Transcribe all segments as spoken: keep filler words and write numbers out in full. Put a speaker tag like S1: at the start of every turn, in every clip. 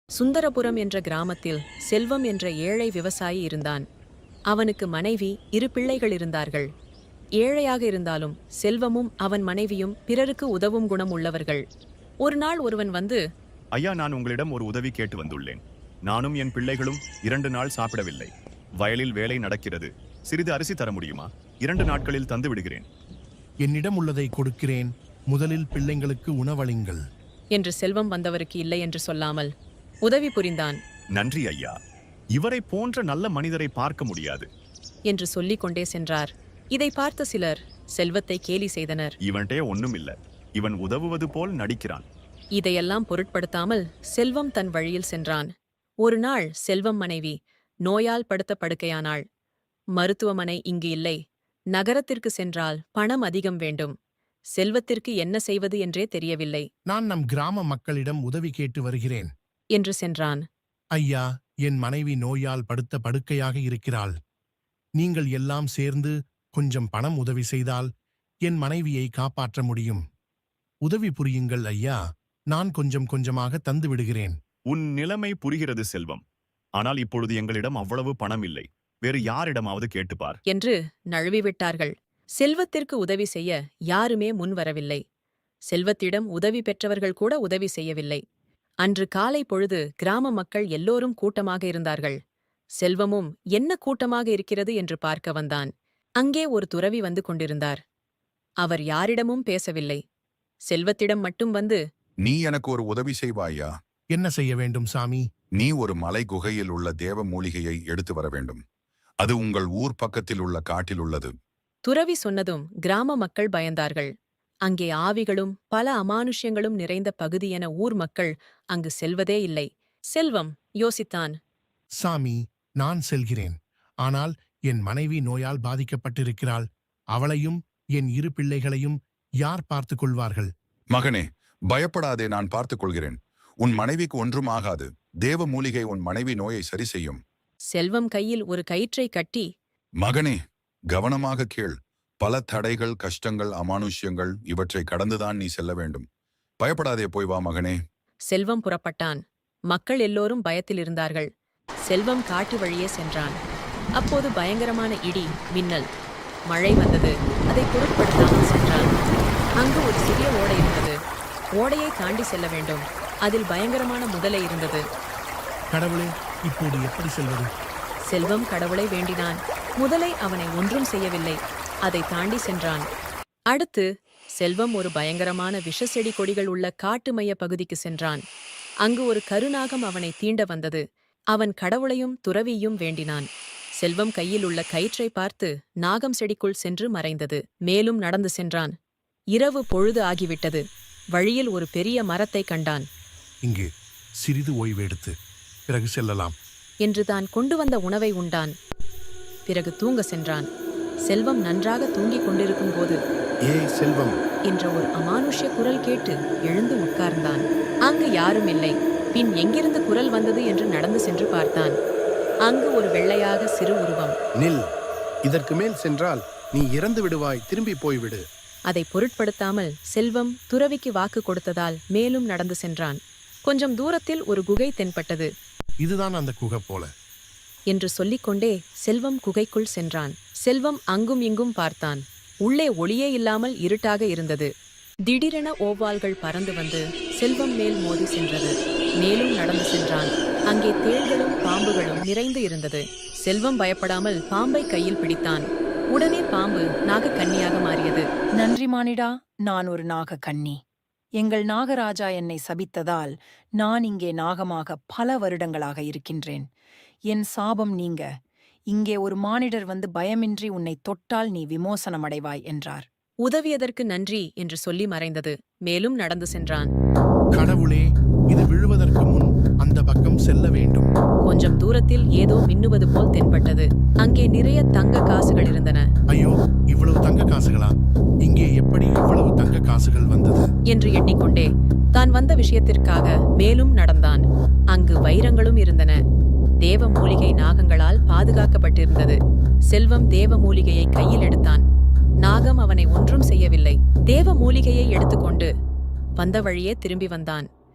S1: சுந்தரபுரம் என்ற கிராமத்தில் செல்வம் என்ற ஏழை விவசாயி இருந்தான். அவனுக்கு மனைவி, இரு பிள்ளைகள் இருந்தார்கள். ஏழையாக இருந்தாலும் செல்வமும் அவன் மனைவியும் பிறருக்கு உதவும் குணம் உள்ளவர்கள். ஒரு நாள் ஒருவன் வந்து,
S2: ஐயா, நான் உங்களிடம் ஒரு உதவி கேட்டு வந்துள்ளேன். நானும் என் பிள்ளைகளும் இரண்டு நாள் சாப்பிடவில்லை. வயலில் வேலை நடக்கிறது. சிறிது அரிசி தர முடியுமா? இரண்டு நாட்களில் தந்து விடுகிறேன்.
S3: என்னிடம் உள்ளதை கொடுக்கிறேன். முதலில் பிள்ளைங்களுக்கு உணவளிங்கள்
S1: என்று செல்வம் வந்தவருக்கு இல்லை என்று சொல்லாமல் உதவி புரிந்தான்.
S2: நன்றி ஐயா, இவரை போன்ற நல்ல மனிதரை பார்க்க முடியாது
S1: என்று சொல்லிக் கொண்டே சென்றார். இதை பார்த்த சிலர் செல்வத்தை கேலி செய்தனர்.
S2: இவன்டே ஒண்ணும் இல்ல, இவன் உதவுவது போல் நடிக்கிறான்.
S1: இதையெல்லாம் பொருட்படுத்தாமல் செல்வம் தன் வழியில் சென்றான். ஒரு நாள் செல்வம் மனைவி நோயால் படுத்த படுக்கையானாள். மருத்துவமனை இங்கு இல்லை. நகரத்திற்கு சென்றால் பணம் அதிகம் வேண்டும். செல்வத்திற்கு என்ன செய்வது என்றே தெரியவில்லை.
S3: நான் நம் கிராம மக்களிடம் உதவி கேட்டு வருகிறேன்
S1: என்று சென்றான்.
S3: ஐயா, என் மனைவி நோயால் படுத்த படுக்கையாக இருக்கிறாள். நீங்கள் எல்லாம் சேர்ந்து கொஞ்சம் பணம் உதவி செய்தால் என் மனைவியை காப்பாற்ற முடியும். உதவி புரியுங்கள் ஐயா, நான் கொஞ்சம் கொஞ்சமாக தந்து விடுகிறேன்.
S2: உன் நிலைமை புரிகிறது செல்வம். ஆனால் இப்பொழுது எங்களிடம் அவ்வளவு பணம் இல்லை. வேறு யாரிடமாவது கேட்டுப்பார்
S1: என்று நழுவிவிட்டார்கள். செல்வத்திற்கு உதவி செய்ய யாருமே முன்வரவில்லை. செல்வத்திடம் உதவி பெற்றவர்கள் கூட உதவி செய்யவில்லை. அன்று காலை பொழுது கிராம மக்கள் எல்லோரும் கூட்டமாக இருந்தார்கள். செல்வமும் என்ன கூட்டமாக இருக்கிறது என்று பார்க்க வந்தான். அங்கே ஒரு துறவி வந்து கொண்டிருந்தார். அவர் யாரிடமும் பேசவில்லை. செல்வத்திடம் மட்டும் வந்து,
S4: நீ எனக்கு ஒரு உதவி செய்வாயா?
S3: என்ன செய்ய வேண்டும் சாமி?
S4: நீ ஒரு மலை குகையில் உள்ள தேவ மூலிகையை எடுத்து வர வேண்டும். அது உங்கள் ஊர் பக்கத்தில் உள்ள காட்டில் உள்ளது.
S1: துறவி சொன்னதும் கிராம மக்கள் பயந்தார்கள். அங்கே ஆவிகளும் பல அமானுஷ்யங்களும் நிறைந்த பகுதி என ஊர் மக்கள் அங்கு செல்வதே இல்லை. செல்வம் யோசித்தான்.
S3: சாமி, நான் செல்கிறேன். ஆனால் என் மனைவி நோயால் பாதிக்கப்பட்டிருக்கிறாள். அவளையும் என் இரு பிள்ளைகளையும் யார் பார்த்துக் கொள்வார்கள்?
S4: மகனே, பயப்படாதே, நான் பார்த்துக் கொள்கிறேன். உன் மனைவிக்கு ஒன்றும் ஆகாது. தேவ மூலிகை உன் மனைவி நோயை சரி செய்யும்.
S1: செல்வம் கையில் ஒரு கயிற்றை கட்டி,
S4: மகனே, கவனமாக கேள். பல தடைகள், கஷ்டங்கள், அமானுஷ்யங்கள் இவற்றை கடந்துதான் நீ செல்ல வேண்டும். பயப்படாதே, போய் வா மகனே.
S1: செல்வம் புறப்பட்டான். மக்கள் எல்லோரும் பயத்தில் இருந்தார்கள். செல்வம் காட்டு வழியே சென்றான். அப்போது பயங்கரமான இடி, மின்னல், மழை வந்தது. அதை பொருட்படுத்தாமல் சென்றான். அங்கு ஒரு சிறிய ஓடை இருந்தது. ஓடையை தாண்டி செல்ல வேண்டும். அதில் பயங்கரமான முதலை இருந்தது.
S3: கடவுளே, இப்போது எப்படி செல்வது?
S1: செல்வம் கடவுளை வேண்டினான். முதலை அவனை ஒன்றும் செய்யவில்லை. அதை தாண்டி சென்றான். அடுத்து செல்வம் ஒரு பயங்கரமான விஷ செடி கொடிகள் உள்ள காட்டு மைய பகுதிக்கு சென்றான். அங்கு ஒரு கருநாகம் அவனை தீண்ட வந்தது. அவன் கடவுளையும் துறவியும் வேண்டினான். செல்வம் கையில் உள்ள கயிற்றை பார்த்து நாகம் செடிக்குள் சென்று மறைந்தது. மேலும் நடந்து சென்றான். இரவு பொழுது ஆகிவிட்டது. வழியில் ஒரு பெரிய மரத்தை கண்டான்.
S3: இங்கு சிறிது ஓய்வெடுத்து பிறகு செல்லலாம்
S1: என்று தான் கொண்டு வந்த உணவை உண்டான். பிறகு தூங்க சென்றான். செல்வம் நன்றாக தூங்கிக் கொண்டிருக்கும் போது,
S3: ஏ செல்வம்
S1: என்ற ஒரு அமானுஷ்ய குரல் கேட்டு எழுந்து உட்கார்ந்தான். அங்கு யாரும் இல்லை. பின் எங்கிருந்து குரல் வந்தது என்று நடந்து சென்று பார்த்தான். அங்கு ஒரு வெள்ளையாக சிறு உருவம்.
S5: நில், இதற்கு மேல் சென்றால் நீ இறந்து விடுவாய், திரும்பி போய்விடு.
S1: அதை பொருட்படுத்தாமல் செல்வம் துறவிக்கு வாக்கு கொடுத்ததால் மேலும் நடந்து சென்றான். கொஞ்சம் தூரத்தில் ஒரு குகை தென்பட்டது.
S3: இதுதான் அந்த குகை போல
S1: என்று சொல்லிக்கொண்டே செல்வம் குகைக்குள் சென்றான். செல்வம் அங்கும் இங்கும் பார்த்தான். உள்ளே ஒளியே இல்லாமல் இருட்டாக இருந்தது. திடீரென ஓவால்கள் பறந்து வந்து செல்வம் மேல் மோதி சென்றது. மேலும் நடந்து சென்றான். அங்கே தேள்களும் பாம்புகளும் நிறைந்து இருந்தது. செல்வம் பயப்படாமல் பாம்பை கையில் பிடித்தான். உடனே பாம்பு நாகக்கன்னியாக மாறியது.
S6: நன்றி மானிடா, நான் ஒரு நாகக்கன்னி. எங்கள் நாகராஜா என்னை சபித்ததால் நான் இங்கே நாகமாக பல வருடங்களாக இருக்கின்றேன். என் சாபம் நீங்க இங்கே ஒரு மானிடர் வந்து பயமின்றி உன்னை தொட்டால் நீ விமோசனமடைவாய் என்றார்.
S1: உதவியதற்கு நன்றி என்று சொல்லி மறைந்தது. மேலும் நடந்து சென்றான்.
S3: கடவுளே, இது விழுவதற்கு முன் அந்த பக்கம் செல்ல வேண்டும்.
S1: கொஞ்சம் தூரத்தில் ஏதோ மின்னுவது போல் தென்பட்டது. அங்கே நிறைய தங்க காசுகள் இருந்தன.
S3: ஐயோ, இவ்வளவு தங்க காசுகளா? இங்கே எப்படி இவ்வளவு தங்க காசுகள் வந்தது
S1: என்று எண்ணிக்கொண்டே தான் வந்த விஷயத்திற்காக மேலும் நடந்தான். அங்கு வைரங்களும் இருந்தன. தேவ மூலிகை நாகங்களால் பாதுகாக்கப்பட்டிருந்தது. செல்வம் தேவ மூலிகையை கையில் எடுத்தான். நாகம் அவனை ஒன்றும் செய்யவில்லை. தேவ மூலிகையை எடுத்துக்கொண்டு வந்த வழியே திரும்பி வந்தான்.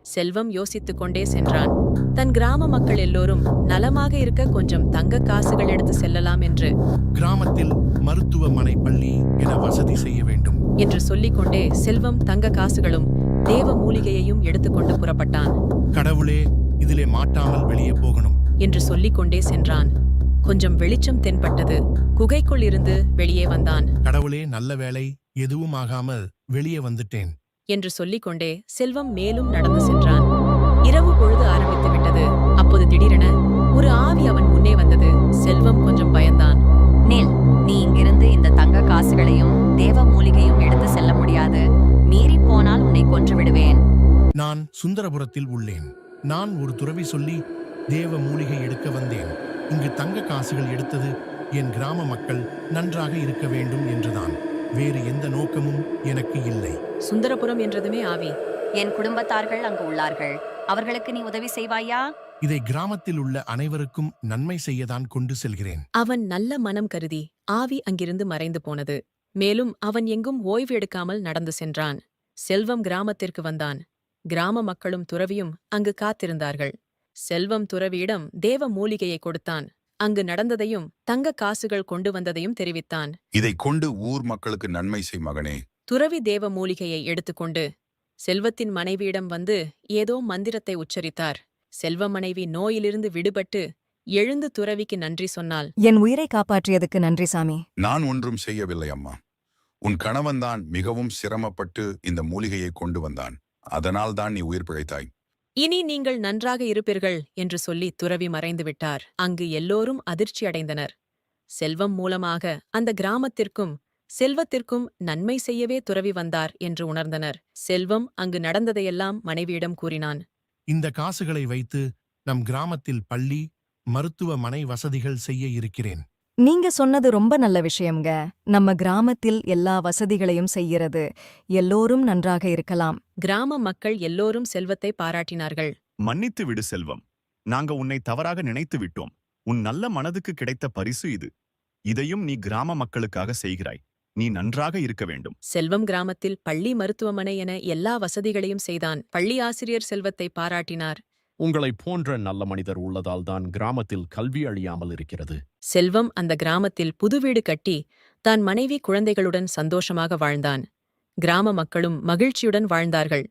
S1: செல்வம் யோசித்துக் கொண்டே சென்றான். தன் கிராம மக்கள் எல்லோரும் நலமாக இருக்க கொஞ்சம் தங்க காசுகள் எடுத்து செல்லலாம் என்று
S3: கிராமத்தில் மருத்துவமனை பள்ளி என வசதி செய்ய வேண்டும்.
S1: என்று சொல்லிக்கொண்டே செல்வம் தங்க காசுகளும் தேவ மூலிகையையும் எடுத்துக்கொண்டு புறப்பட்டான்.
S3: கடவுளே, இதிலே மாட்டாமல் வெளியே போகணும்
S1: என்று சொல்லிக்கொண்டே சென்றான். கொஞ்சம் வெளிச்சம் தென்பட்டது. குகைக்குள் இருந்து வெளியே வந்தான்.
S3: கடவுளே, நல்ல வேளை, எதுவும் ஆகாமல் வெளியே வந்துட்டேன்
S1: என்று சொல்லிக்கொண்டே செல்வம் மேலும் நடந்து சென்றான். இரவு பொழுது ஆரம்பித்து விட்டது. அப்போது திடீரென ஒரு ஆவி அவன் முன்னே வந்தது. செல்வம் கொஞ்சம் பயந்தான்.
S7: நில், நீ இங்கிருந்து இந்த தங்க காசுகளையும் தேவ மூலிகையும் எடுத்து செல்ல முடியாது. மீறி போனால் உன்னை கொன்று விடுவேன்.
S3: நான் சுந்தரபுரத்தில் உள்ளேன். நான் ஒரு துறவி சொல்லி தேவ மூலிகை எடுக்க வந்தேன். இங்கு தங்க காசுகள் எடுத்தது என் கிராம மக்கள் நன்றாக இருக்க வேண்டும் என்றுதான். வேறு எந்த நோக்கமும் எனக்கு இல்லை.
S1: சுந்தரபுரம் என்றதுமே ஆவி.
S7: என் குடும்பத்தார்கள் அங்கு உள்ளார்கள். அவர்களுக்கு நீ உதவி செய்வாயா?
S3: இதை கிராமத்தில் உள்ள அனைவருக்கும் நன்மை செய்யதான் கொண்டு செல்கிறேன்.
S1: அவன் நல்ல மனம் கருதி ஆவி அங்கிருந்து மறைந்து போனது. மேலும் அவன் எங்கும் ஓய்வு எடுக்காமல் நடந்து சென்றான். செல்வம் கிராமத்திற்கு வந்தான். கிராம மக்களும் துறவியும் அங்கு காத்திருந்தார்கள். செல்வம் துறவியிடம் தேவ மூலிகையை கொடுத்தான். அங்கு நடந்ததையும் தங்க காசுகள் கொண்டு வந்ததையும் தெரிவித்தான்.
S4: இதை கொண்டு ஊர் மக்களுக்கு நன்மை செய் மகனே.
S1: துறவி தேவ மூலிகையை எடுத்துக்கொண்டு செல்வத்தின் மனைவியிடம் வந்து ஏதோ மந்திரத்தை உச்சரித்தார். செல்வ மனைவி நோயிலிருந்து விடுபட்டு எழுந்து துறவிக்கு நன்றி சொன்னாள்.
S8: என் உயிரை காப்பாற்றியதுக்கு நன்றி சாமி.
S4: நான் ஒன்றும் செய்யவில்லை அம்மா. உன் கணவன்தான் மிகவும் சிரமப்பட்டு இந்த மூலிகையை கொண்டு வந்தான். அதனால் தான் நீ உயிர் பிழைத்தாய்.
S1: இனி நீங்கள் நன்றாக இருப்பீர்கள் என்று சொல்லி துறவி மறைந்து விட்டார். அங்கு எல்லோரும் அதிர்ச்சியடைந்தனர். செல்வம் மூலமாக அந்த கிராமத்திற்கும் செல்வத்திற்கும் நன்மை செய்யவே துறவி வந்தார் என்று உணர்ந்தனர். செல்வம் அங்கு நடந்ததையெல்லாம் மனைவியிடம் கூறினான்.
S3: இந்த காசுகளை வைத்து நம் கிராமத்தில் பள்ளி மருத்துவமனை வசதிகள் செய்ய இருக்கிறேன்.
S8: நீங்க சொன்னது ரொம்ப நல்ல விஷயம்ங்க. நம்ம கிராமத்தில் எல்லா வசதிகளையும் செய்கிறது. எல்லோரும் நன்றாக இருக்கலாம்.
S1: கிராம மக்கள் எல்லோரும் செல்வத்தை பாராட்டினார்கள்.
S2: மன்னித்து விடு செல்வம். நாங்க உன்னை தவறாக நினைத்து விட்டோம். உன் நல்ல மனதுக்கு கிடைத்த பரிசு இது. இதையும் நீ கிராம மக்களுக்காக செய்கிறாய். நீ நன்றாக இருக்க வேண்டும்.
S1: செல்வம் கிராமத்தில் பள்ளி மருத்துவமனை என எல்லா வசதிகளையும் செய்தான். பள்ளி ஆசிரியர் செல்வத்தை பாராட்டினார்.
S9: உங்களைப் போன்ற நல்ல மனிதர் உள்ளதால் தான் கிராமத்தில் கல்வி அழியாமல் இருக்கிறது.
S1: செல்வம் அந்த கிராமத்தில் புது வீடு கட்டி தான் மனைவி குழந்தைகளுடன் சந்தோஷமாக வாழ்ந்தான். கிராம மக்களும் மகிழ்ச்சியுடன் வாழ்ந்தார்கள்.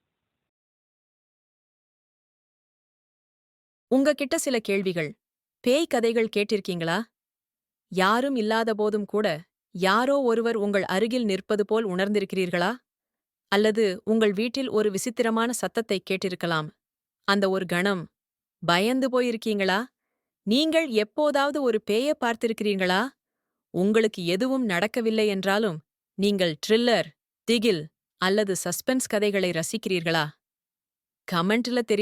S1: உங்ககிட்ட சில கேள்விகள். பேய் கதைகள் கேட்டிருக்கீங்களா? யாரும் இல்லாத போதும் கூட யாரோ ஒருவர் உங்கள் அருகில் நிற்பது போல் உணர்ந்திருக்கிறீர்களா? அல்லது உங்கள் வீட்டில் ஒரு விசித்திரமான சத்தத்தை கேட்டிருக்கலாம். அந்த ஒரு கணம் பயந்து போயிருக்கீங்களா? நீங்கள் எப்போதாவது ஒரு பேயை பார்த்திருக்கிறீர்களா? உங்களுக்கு எதுவும் நடக்கவில்லை என்றாலும் நீங்கள் த்ரில்லர், திகில் அல்லது சஸ்பென்ஸ் கதைகளை ரசிக்கிறீர்களா? கமெண்ட்ல தெரி